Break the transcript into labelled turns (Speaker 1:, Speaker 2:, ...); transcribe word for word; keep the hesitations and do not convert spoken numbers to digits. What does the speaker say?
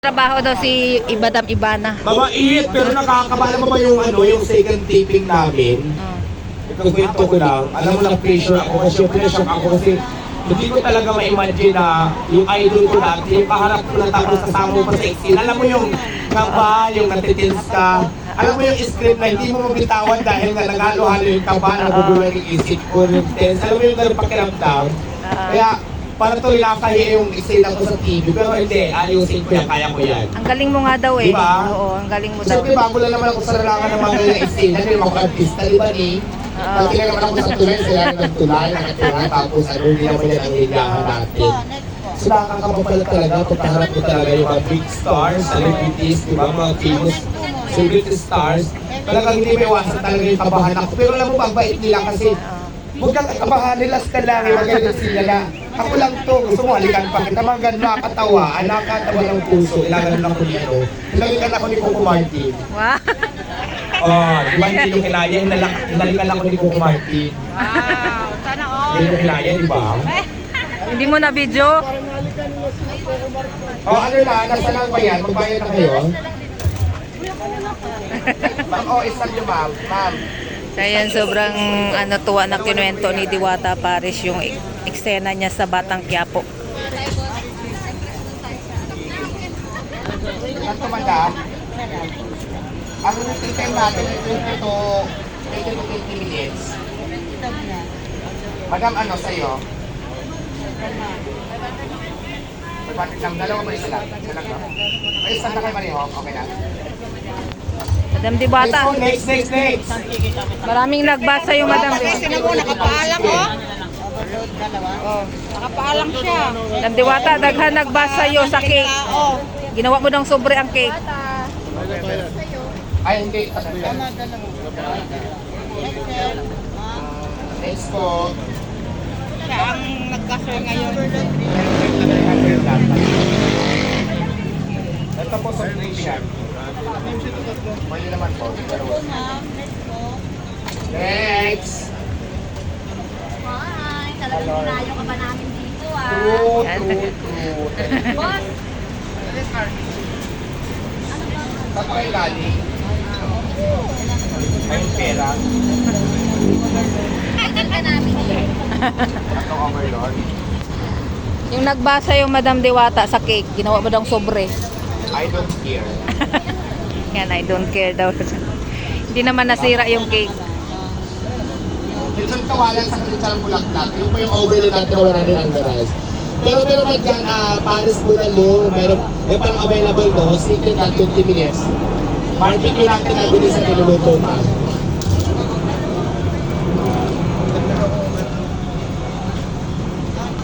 Speaker 1: Trabaho daw si Ibadam Ibana.
Speaker 2: Mabait, pero nakakabala mo ba yung ano, yung second taping namin?
Speaker 1: Oh.
Speaker 2: Ito kwento ko lang. Alam mo lang, pressure ako kasi pressure ako kasi hindi ko talaga ma-imagine na yung idol ko dati, yung kaharap ko na tapos kasama mo pa sa exil. Alam mo yung kaba, yung natitins ka. Alam mo yung script na hindi mo mabitawan dahil nga naghalo-halo yung kaba, nagugulo yung isip ko, yung tense. Alam mo yung ganun pakiramdam. Kaya, para to nakakahiya yung isila ko sa T V, pero hindi, ayusin ko yan, kaya ko yan.
Speaker 1: Ang galing mo nga daw eh.
Speaker 2: Diba?
Speaker 1: Oo, ang galing mo daw.
Speaker 2: Siyempre, bago lang naman ako sa larangan ng mga ganyan isila, hindi naman ako artista, di ba ni? Pag naman ako sa tulay, sila ng tulay, nakatira, tapos ano, hindi naman yan ang hilahan natin. So nakakapapala talaga, pagkaharap ko talaga yung mga big stars, celebrities, di ba, mga famous celebrity stars. Talagang hindi may iwasan talaga yung kabahan ako. Pero alam mo, mabait nila kasi huwag kang kabahan, nilas ka lang, magaling sila na. Ako lang to, gusto mo, halikan pa kita, mga ganun, nakakatawa, ah, nakakatawa ng puso, ilangan lang ko dito. Hinalikan ako ni Coco Martin.
Speaker 1: Wow.
Speaker 2: Oh, di ba hindi yung kinaya, hinalak- hinalikan ako ni Coco Martin.
Speaker 1: Wow, sana all.
Speaker 2: Hindi yung kinaya, di ba?
Speaker 1: Hindi mo na video?
Speaker 2: Oh, ano na, nasa lang ba yan? Magbayad na kayo? Ma'am, oh, isang nyo ma'am, ma'am.
Speaker 1: So yan, sobrang ano, tuwa na kinuwento ni Diwata Paris yung ek- eksena niya sa Batang Quiapo.
Speaker 2: Ito, madam. Ang routine time natin ay twenty to twenty minutes. Madam, ano sa'yo? Magpatik lang, dalawa ba isa lang? Isa lang, no? Ay, isa na kayo pareho, okay na?
Speaker 1: Madam Diwata,
Speaker 2: Next, next, next, next!
Speaker 1: maraming nagbasa yung Madam
Speaker 3: Kasi
Speaker 1: Diwata.
Speaker 3: na mo, nakapaalang oh. Oh, nakapaalang siya.
Speaker 1: Madam Diwata, daghan nagbasa yo sa cake.
Speaker 3: Oh,
Speaker 1: Ginawa mo ng sobre ang cake.
Speaker 2: Ay, hindi. Next po.
Speaker 3: siya ang nagkasal ngayon.
Speaker 2: Ito po sa Christian. Pwede naman po. Next!
Speaker 4: Hi! Talagang dinayo ka ba namin dito ah?
Speaker 2: True, true, true.
Speaker 4: Boss!
Speaker 2: Saan pa kayo galing? May pera.
Speaker 4: Tagal ka namin dito.
Speaker 2: Atong overlord.
Speaker 1: Yung nagbasa yung Madam Diwata sa cake, ginawa mo daw sobre.
Speaker 2: I don't care.
Speaker 1: Yan, I don't care daw. Hindi naman nasira yung cake.
Speaker 2: Minsan kawalan sa kristal bulaklak. Yung po yung overlord natin na wala rin ang garas. Pero meron man dyan, ah, Paris Bulalo, meron, may parang available no, secret na twenty minutes. Barbecue natin na bilis sa niluluto pa.